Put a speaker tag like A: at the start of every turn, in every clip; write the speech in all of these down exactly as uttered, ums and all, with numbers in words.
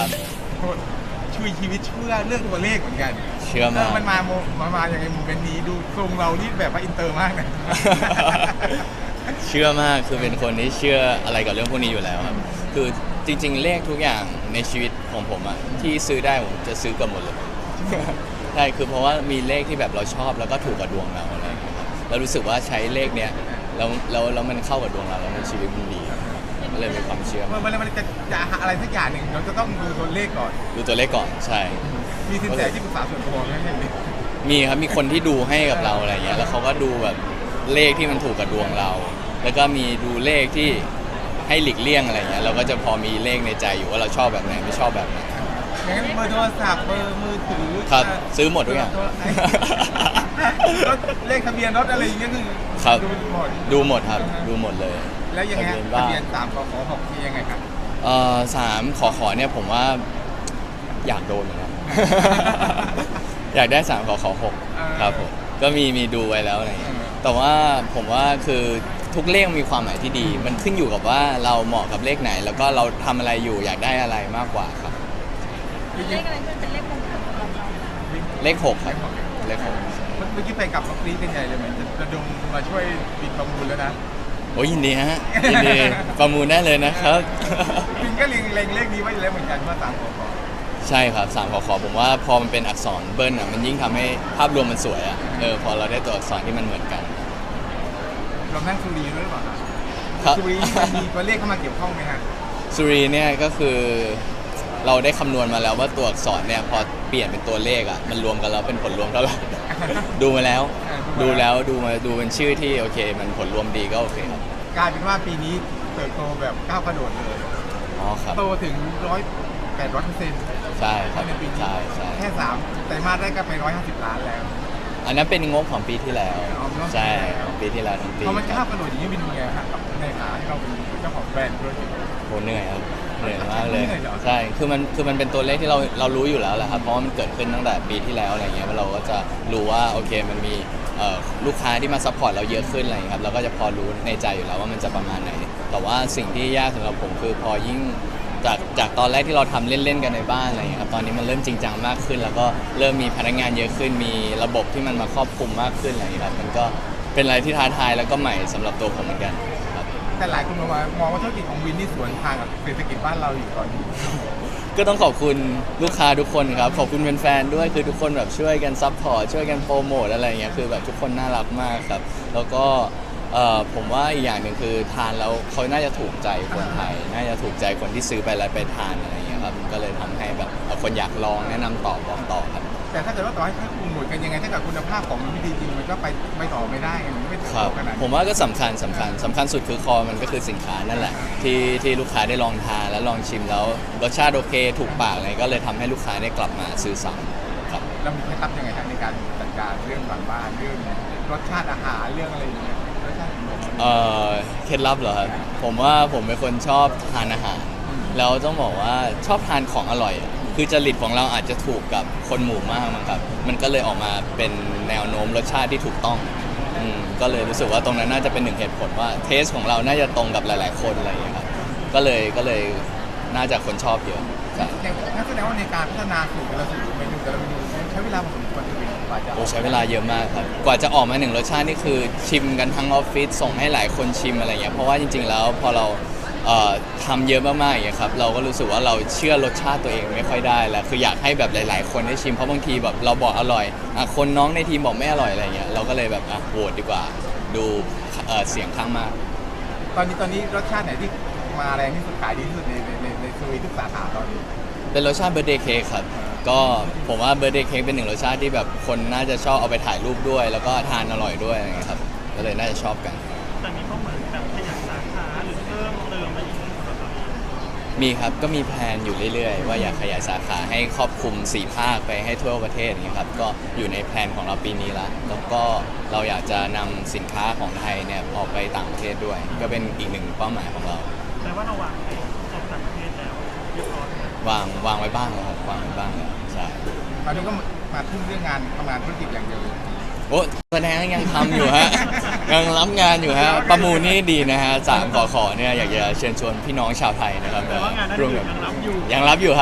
A: ครับ
B: ช่วยชีวิตเชื่อเรื่องตัวเลขเหมือนกัน
A: เชื่อมาก
B: มันมาโมมามาอย่างไงโมเมนต์นี้ดูทรงเรานี่แบบว่าอินเตอร์มากนะ
A: เชื่อมากคือเป็นคนที่เชื่ออะไรกับเรื่องพวกนี้อยู่แล้วครับคือจริงๆเลขทุกอย่างในชีวิตของผมอะที่ซื้อได้ผมจะซื้อกับหมดเลย ใช่คือเพราะว่ามีเลขที่แบบเราชอบแล้วก็ถูกกับดวงเราอะไรอย่างเงี้ยครับแล้วรู้สึกว่าใช้เลขเนี้ยแล้วแล้วแล้วมันเข้ากับดวงเราแล้วในชีวิตมันดีก็เลยมีความเชื่อ
B: เมื่อมันมันจะจะหาอะไรสักอย่างหนึ่งเราจะต้องดูตัวเลขก่อน
A: ดูตัวเลขก่อนใช่
B: มีสินแสที่ปรึกษาส่วนตัวไหมเนี่ย
A: มีครับมีคนที่ดูให้กับเราอะไรเงี้ยแล้วเขาก็ดูแบบเลขที่มันถูกกับดวงเรา แล้วก็มีดูเลขที่ให้หลีกเลี่ยงอะไรเงี้ยเราก็จะพอมีเลขในใจอยู่ว่าเราชอบแบบไหนไม่ชอบแบบไหน
B: อย่างนั้นเบอร์โทรศัพท์เบอร์มือถือ
A: ครับซื้อหมดทุกอย่าง
B: รถเลขทะเบียนรถอะไรอย่างเงี้ยคือ
A: ครับ
B: ดูหมด
A: ดูหมดครับดูหมดเลย
B: แล้วยังไงทะเบียนสามขอขอหกมียังไงครับ
A: เอ่อสามขอขอเนี่ยผมว่าอยากโดนเหมือนกัน อยากได้สามขอขอหกครับผมก็มีมีดูไว้แล้วอะไรอย่างเงี้ยแต่ว่าผมว่าคือทุกเลขมีความหมายที่ดี มันขึ้นอยู่กับว่าเราเหมาะกับเลขไหน แล้วก็เราทำอะไรอยู่อยากได้อะไรมากกว่าครับ
C: เลขอะไรที่มันเป็นเลขมงคลสำหรับเรา
A: เลขหกครับเลขหก
B: เมื่อกี้ไปกับน้องกรี๊ดกันใหญ่เลยเหมือนจะดมมาช่วยปิดประมูลแล้วนะ
A: โอ้ยยินดีฮะยินดีประมูลได้เลยนะครับ
B: ปินก็เล็งเล็งเลขนี้ไว้อยู่แล้วเหมือนกันว่าสามขอขอ
A: ใช่ครับสามขอขอผมว่าพอมันเป็นอักษรเบิ้ลอ่ะมันยิ่งทำให้ภาพรวมมันสวยอ่ะเออพอเราได้ตัวอักษรที่มันเหมือนกัน
B: เรานั่งสุรีด้วยหรือเปล่า
A: ครับ
B: สุรีมันมีตัวเลขเข้ามาเกี่ยวข้องไหมฮะ
A: สุรีเนี่ยก็คือเราได้คำนวณมาแล้วว่าตัวอักษรเนี่ยพอเปลี่ยนเป็นตัวเลขอ่ะมันรวมกันแล้วเป็นผลรวมเท่าไหร่ ดูมาแล้วดูแล้วดูมาดูเป็นชื่อที่โอเคมันผลรวมดีก็โอเคครับ
B: กลายเป็นว่าปีนี้เติบโตแบบก้าวกระโดดเลย
A: อ๋อครับ
B: โตถึงร้อยแปดร้อยเปอร์เซ็นต์
A: ใช่ครับ
B: ในปีนี้
A: ใช่ใช่
B: แค่สามไตรมาสแรกก็ไปร้อยห้าสิบล้านแล้ว
A: อันนั้นเป็นงบของปีที่แล้วใช่ปีที่แล้วทั้งปี
B: พอมันก้าวกระโดดอย่างนี้เป็นยังไงฮะกับในฐานะที่เราเป็นเจ้าของแบรนด์ด้วย
A: โหเหนื่อยครับเหนื่อยมากเลยใช่คือมันคือมันเป็นตัวเลขที่เราเรารู้อยู่แล้วแหละครับเพราะว่ามันเกิดขึ้นตั้งแต่ปีที่แล้วอะไรเงี้ยเราก็จะรู้ว่าโอเคมันมีลูกค้าที่มาซัพพอร์ตเราเยอะขึ้นอะไรครับเราก็จะพอรู้ในใจอยู่แล้วว่ามันจะประมาณไหนแต่ว่าสิ่งที่ยากสำหรับผมคือพอยิ่งจากจากตอนแรกที่เราทำเล่นๆกันในบ้านอะไรอย่างเงี้ยครับตอนนี้มันเริ่มจริงจังมากขึ้นแล้วก็เริ่มมีพนักงานเยอะขึ้นมีระบบที่มันมาครอบคลุมมากขึ้นอะไรอย่างเงี้ยครับมันก็เป็นอะไรที่ท้าทายแล้วก็ใหม่สำหรับตัวผมเหมือนกันครับ
B: แต่หลายคนมองว่ามองว่าธุรกิจของวินนี่สวนทางกับเศรษฐกิจบ้านเราอยู่ตอนนี้
A: ก็ต้องขอบคุณลูกค้าทุกคนครับขอบคุณแฟนๆด้วยคือทุกคนแบบช่วยกันซัพพอร์ตช่วยกันโปรโมทอะไรอย่างเงี้ยคือแบบทุกคนน่ารักมากครับแล้วก็เอ่อผมว่าอีกอย่างหนึ่งคือทานแล้วเขาน่าจะถูกใจคนไทยน่าจะถูกใจคนที่ซื้อไปแล้วไปทานอะไรอย่างเงี้ยครับก็เลยทำให้แบบคนอยากลองแนะนำต่อบอกต่อครับ
B: แต่ถ้าเกิดว่าต่อให้ให้คุณหมดกันยังไงถ้าเกิดคุณภาพของมันไม่ดีจริงมันก็ไปไม่ต่อไม่ได้มันไม่ถึงขนาด
A: ผมว่าก็สำคัญสำคัญสำคัญสุดคือคอมันก็คือสินค้านั่นแหละที่ที่ลูกค้าได้ลองทานแล้วลองชิมแล้วรสชาติโอเคถูกปากอะไรก็เลยทำให้ลูกค้าได้กลับมาซื้อซ้ำครับ
B: แล้วมีเคล็ดลับยังไงครับในการจัดการเรื่องบางบ้านเรื่องรสชาติอาหารเรื่องอะไรอย่างเงี้ยรสชาติ
A: เอ่อเคล็ดลับเหรอครับผมว่าผมเป็นคนชอบทานอาหารแล้วต้องบอกว่าชอบทานของอร่อยคือจริตของเราอาจจะถูกกับคนหมู่มากมั้งครับมันก็เลยออกมาเป็นแนวโน้มรสชาติที่ถูกต้องอืมก็เลยรู้สึกว่าตรงนั้นน่าจะเป็นหนึ่งเหตุผลว่าเทสของเราน่าจะตรงกับหลายๆคนอะไรอย่างเงี้ยครับก็เลยก็เลยน่าจะคนชอบเยอะ
B: ใช่งั้นแสดงว่าในการพัฒนาสูตรแต่ละสูตรเมนูแต่ละเมนูใช้เวลาพอสมควรเลยกว่าจะ
A: โอ้ใช้เวลาเยอะมากครับกว่าจะออกมาหนึ่งรสชาตินี่คือชิมกันทั้งออฟฟิศส่งให้หลายคนชิมอะไรเงี้ยเพราะว่าจริงๆแล้วพอเราทำเยอะมากๆอย่างเงี้ยครับเราก็รู้สึกว่าเราเชื่อรสชาติตัวเองไม่ค่อยได้แล้วคืออยากให้แบบหลายๆคนได้ชิมเพราะบางทีแบบเราบอกอร่อยอ่ะคนน้องในทีมบอกไม่อร่อยอะไรเงี้ยเราก็เลยแบบอ่ะโหวตดีกว่าดูเสียงข้างมาก
B: ตอนนี้ตอนนี้รสชาติไหนที่มาแรงที่สุดขายดีที่สุดในในในซูวีทุกสาขาตอนนี้
A: เป็นรสชาติเบอร์เดย์เค้กครับก็ผมว่าเบอร์เดย์เค้กเป็นหนึ่งรสชาติที่แบบคนน่าจะชอบเอาไปถ่ายรูปด้วยแล้วก็ทานอร่อยด้วยอะไรเงี้ยครับก็เลยน่าจะชอบกัน
C: แต่มีเป้าหมายแบบขยายสาขาหรือเพิ่มเติมอะไรอีก
A: มีครับก็มีแพลนอยู่เรื่อยๆว่าอยากขยายสาขาให้ครอบคลุมสี่ภาคไปให้ทั่วประเทศอย่างนี้ครับก็อยู่ในแพลนของเราปีนี้ละแล้วก็เราอยากจะนำสินค้าของไทยเนี่ยออกไปต่างประเทศด้วยก็เป็นอีกหนึ่งเป้าหมายของเรา
C: แต่ว่าเราวางไปออกต่างประเทศแล้วเรียบร้อยว
A: างวางไว้บ้างแล้วครับวางไว้บ้างแล้วใช่
B: ตอนนี้ก็มาทุ่มเรื่องงานทำงานธุรกิจอย่างเดียวเลย
A: โอ้แสดงยังทำอยู่ฮะยังรับงานอยู่ฮะประมูลนี่ดีนะฮะสามขอขอเนี่ยอยากจะเชิญชวนพี่น้องชาวไทยนะครับ
C: แต่ว่างานนั้นยังรับอยู่
A: ยังรับอยู่ครับ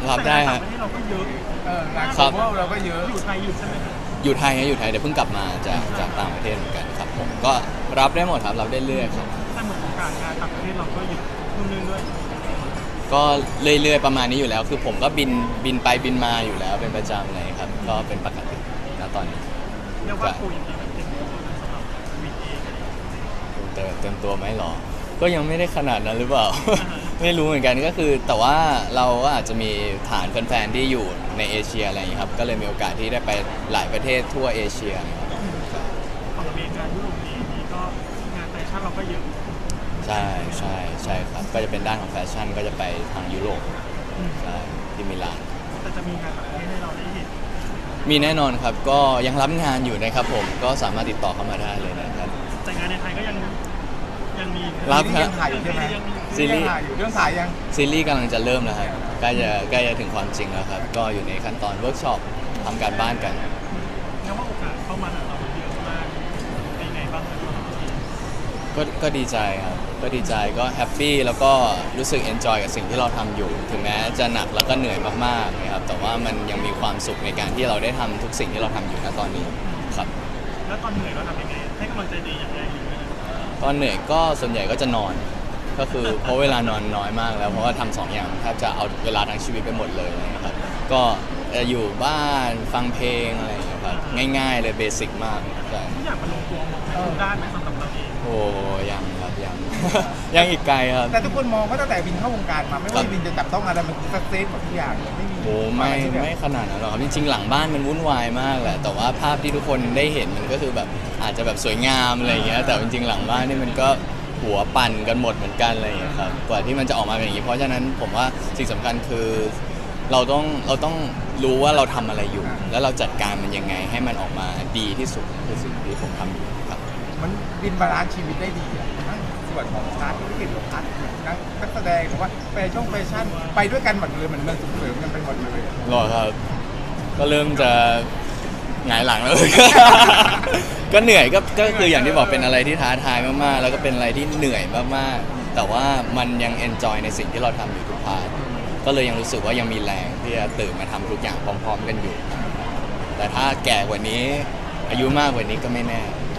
A: รับได้
C: แต่
A: ฮะ
C: ต่างประเทศเราก็เยอะ
B: เอองาน
A: ครั
B: โก
A: บ
B: ลบอลเราก็เยอะ
C: อยู่ไทยอยู่ใช่ไหมครับ
A: อยู่ไทยนะอยู่ไทยเดี๋ยวเพิ่งกลับมาจากจากต่างประเทศเหมือนกันครับผมก็รับได้หมดครับรับได้เรื่อยครับ
C: แต่เหมือนโอกาสงานต่างประเทศเราก็เยอะรุ่นนึงด้วย
A: ก็เรื่อยๆประมาณนี้อยู่แล้ว คือผมก็บินบินไปบินมาอยู่แล้วเป็นประจำเลยครับก็เป็นปกตินะตอนนี้
C: เรียกว่าโควิดนี้แบบเต็มตัวเลยสำหรับวีเองอะไรอย่างเงี้ย
A: เต็มเต็มตัวไหมหรอ ก็ยังไม่ได้ขนาดนั้นหรือเปล่า ไม่รู้เหมือนกันก็คือ แต่ว่าเราก็อาจจะมีฐานแฟนๆที่อยู่ในเอเชียอะไรอย่างนี้ยครับก็เลยมีโอกาสที่ได้ไปหลายประเทศทั่วเอเชียครับ
C: ฝั่งอเมริกายุโรปเองนี่ก็งานแฟชั่นเราก็เยอะ
A: ใช่ใช่ใช่ครับก็จะเป็นด้านของแฟชั่นก็จะไปทางยุโรปใช่ที่มิลาน
C: แต่จะมีงานต่างประเทศให้เราได้เห็น
A: มีแน่นอนครับก็ยังรับงานอยู่นะครับผมก็สามารถติดต่อเข้ามาได้เลยนะครับ
C: แต่งานในไทยก็ยังยังมี
A: รับ
B: ซี
A: ฮะ
B: ยังถ่ายอยู่ใช่ไหม
C: ยังมี
A: ซีรีส์
B: ยังถ่ายอยู่เรื่องถ่ายยัง
A: ซีรีส์กำลังจะเริ่มแล้วครับใกล้จะใกล้จะถึงความจริงแล้วครับ ก็อยู่ในขั้นตอนเวิร์กช็อปทำการบ้านกัน
C: แม้ว่าโอกาสเข้ามาหาเราเยอะมากเป็นไงบ้างครับ
A: ก็ก็ดีใจครับ ก็ดีใจก็แฮปปี้แล้วก็รู้สึกเอนจอยกับสิ่งที่เราทำอยู่ ถึงแม้จะหนักแล้วก็เหนื่อยมากๆนะครับแต่ว่ามันยังมีความสุขในการที่เราได้ทำทุกสิ่งที่เราทำอยู่ณตอนนี้ครับ
C: แล้วตอนเหนื่อยเราทำยังไงให้กำลังใจดีอย่างไรหรือไม่
A: ตอนเหนื่อยก็ส่วนใหญ่ก็จะนอน ก็คือเพราะเวลานอนน้อยมากแล้วเพราะว่าทำสองอย่างแทบจะเอาเวลาทั้งชีวิตไปหมดเลยนะครับก็จะอยู่บ้านฟังเพลงอะไรอย่างเงี้ยครับง่ายๆเลยเบสิกมากใช่
C: ทุกอย่างมันลงตัวหมดทุกด้านไหมสำหรับเราเอง
A: โอ้ยังครับยัง ยังอีกไกลครับ
B: แต่ทุกคนมองว่าตั้งแต่วินเข้าวงการมาไม่ว่าวินจะจับต้องอะไรมันสักเซสหมดทุกอย่างเลยไม่มี
A: โอ้ไม่
B: อะรที่แบบ
A: ไม่ขนาดนั้นหรอกครับจริงๆหลังบ้านมันวุ่นวายมากแหละแต่ว่าภาพที่ทุกคนได้เห็นมันก็คือแบบอาจจะแบบสวยงามอะไรอย่างเงี้ยแต่จริงๆหลังบ้านนี่มันก็หัวปั่นกันหมดเหมือนกันอะไรอย่างเงี้ยครับกว่าที่มันจะออกมาเป็นอย่างนี้เพราะฉะนั้นผมว่าสิ่งสำคัญคือเราต้องเราต้องรู้ว่าเราทำอะไรอยู่ แล้วเราจัดการมันยังไงให้มันออกมาดีที่สุดคือสิ่งที่ผมทำอยู่ครับ
B: มันวินบาลานซ์ชีวิตได้ดีอะทั้งส่วนของพาร์ทธุรกิจของพาร์ทนักนักแสดงหรือว่าแฟชั่นแฟชั่นไปด้วยกันหมดเลยเหมือนมันส่งเสริมกันไปหมดเลย
A: รอครับ ก็เริ่มจะหงายหลังแล้ว ก็เหนื่อยก็ก็คืออย่างที่บอกเป็นอะไรที่ท้าทายมากๆ แล้วก็เป็นอะไรที่เหนื่อยมากๆ แต่ว่ามันยังเอนจอยในสิ่งที่เราทำอยู่ทุกพาร์ทก็เลยยังรู้สึกว่ายังมีแรงที่จะตื่นมาทำทุกอย่างพร้อม ๆ กันอยู่ แต่ถ้าแก่กว่านี้ อายุมากกว่านี้ก็ไม่แน่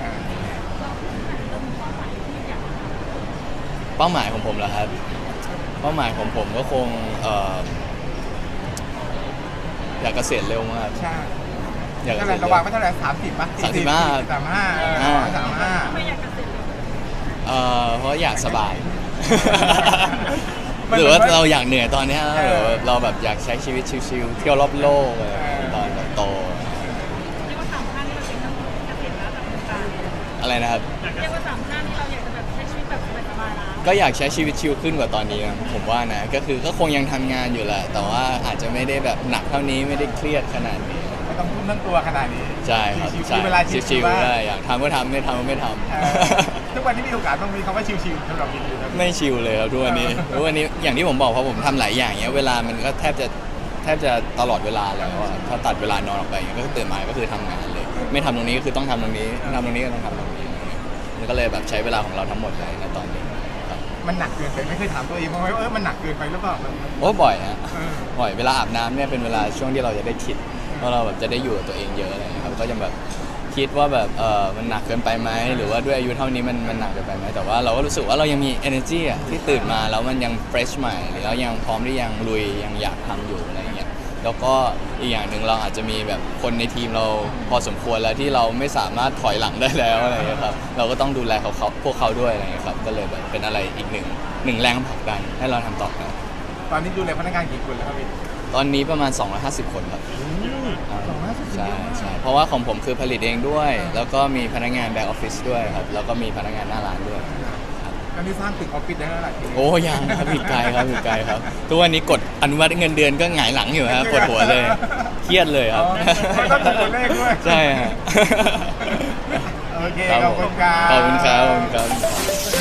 A: เป้าหมายของผมเหรอครับ เป้าหมายของผมก็คงเอ่ออยากเกษียณเร็วมาก
B: ใช่
A: อยากเก
B: เท่า
A: ษี
B: ไห
A: ย
B: ร่
A: ณ
B: ระ
A: เร็
B: หว่าง
A: ว
B: ไม่เท่าไหร่สามสิบป่ะ
A: สามสิบห้า
B: สามห้า
A: อ่า
B: สามห้า
D: ไม่อยากเกษียณเลย
A: เอ่อเพราะอยากสบาย
B: มัน
A: หรือว่า
B: มัน
A: เราอยากเหนื่อยตอนเนี้ย
B: เออ
A: หรือว่าเราแบบอยากใช้ชีวิตชิลๆเที่ยวรอบโลกอะไรแบบนี้ตอนแบบโต
D: เรียกว่าสามท่านที่เราเป็นต้องเกษียณแล้วจากวงการ
A: อะไรนะครับ
D: เรียกว่าสามท่านที่เราอยากจะแบบใช้ชีวิตแบบสบายๆแล้ว
A: ก็อยากใช้ชีวิตชิลขึ้นกว่าตอนนี้นะผมว่านะก็คือก็คงยังทำงานอยู่แหละ แต่ว่าอาจจะไม่ได้แบบหนักเท่านี้ไม่ได้เครียดขนาดนี้
B: ไม่ต้องทุ่มทั้งตัวขนาดนี้
A: ใช่ครับ
B: ชิวๆ
A: ใช่
B: มีเวลา
A: ชิ
B: ชิ
A: ล
B: วๆบ้าง
A: ๆได้อยากทำก็ทำไม่ทำก็ไม่ท
B: เออ
A: ำ
B: ทุกวันนี้มีโอกาสต้องมีคำว่าชิวๆสำหรับวินอยู่นะ
A: ไม่ชิลเลยครับทุกวันนี้ทุกวันนี้อย่างที่ผมบอกเพราะผมทำหลายอย่างเนี้ยเวลามันก็แทบจะแทบจะตลอดเวลาแล้วอะถ้าตัดเวลานอนออกไปอย่างเงี้ยก็คือตื่นมาก็คือทำงานเลย ไม่ทำตรงนี้ก็คือต้องทำตรงนี้ทำตรงนี้ก็ต้องทำตรงนี้อะไรเงี้ยมันก็เลยแบบใช้เวลาของเราทั้งหมดเลยในตอนนี้ครับ
B: มันหนักเกินไปไม่เคยถามตัวเองบ้างไหมว่าเออมันหนักเกินไปหรือเปล่ามัน
A: โอ้บ่อยฮะ
B: เออ
A: บ่อยเวลาอาบน้ำเนี่ยเป็นเวลาช่วงที่เราจะได้คิดว่าเราแบบจะได้อยู่กับตัวเองเยอะอะไรเงี้ยครับก็จะแบบคิดว่าแบบเออมันหนักเกินไปไหมหรือว่าด้วยอายุเท่านี้มันมันหนักเกินไปไหมแต่ว่าเราก็รู้สึกว่าเรายังมี energy อ่ะที่ตื่นมาแล้วมันยัง fresh ใหม่หรือเรายังพร้อมที่ยังลุยยังอยากทำอยู่อะไรเงี้ยแล้วก็อีกอย่างหนึ่งเราอาจจะมีแบบคนในทีมเราพอสมควรแล้วที่เราไม่สามารถถอยหลังได้แล้วอะไรเงี้ยครับเราก็ต้องดูแลเขาเขาพวกเขาด้วยอะไรเงี้ยครับก็เลยแบบเป็นอะไรอีกหนึ่งหนึ่งแรงผลักดันให้เราทำต่อกัน
B: ตอนนี้ดูแลพนักงานกี่คนแล้วครับพี่
A: ตอนนี้ประมาณสองร้อยห้าสิบคนครับ
B: สองร้อยห้าสิบ
A: ใช่ใช่เพราะว่าของผมคือผลิตเองด้วย แล้วก็มีพนักงานแบ็กออฟฟิศด้วยครับ แล้วก็มีพนักงานหน้าร้านด้วย
B: ตอนนี้สร้างตึกออฟฟิศได้แล้วหลายที
A: โอ้ยังครับอีกไกลครับอีกไกลครับทุกวันนี้กดอนุมัติเงินเดือนก็หงายหลังอยู่ฮะปวดหัวเลย เครียดเลยครับ
B: ไม่ต้องดูตัวเลขด้วย
A: ใช่ฮะ
B: โอเค
A: ครับ
B: ขอบคุณครับ
A: ขอบคุณครับขอบคุณครับ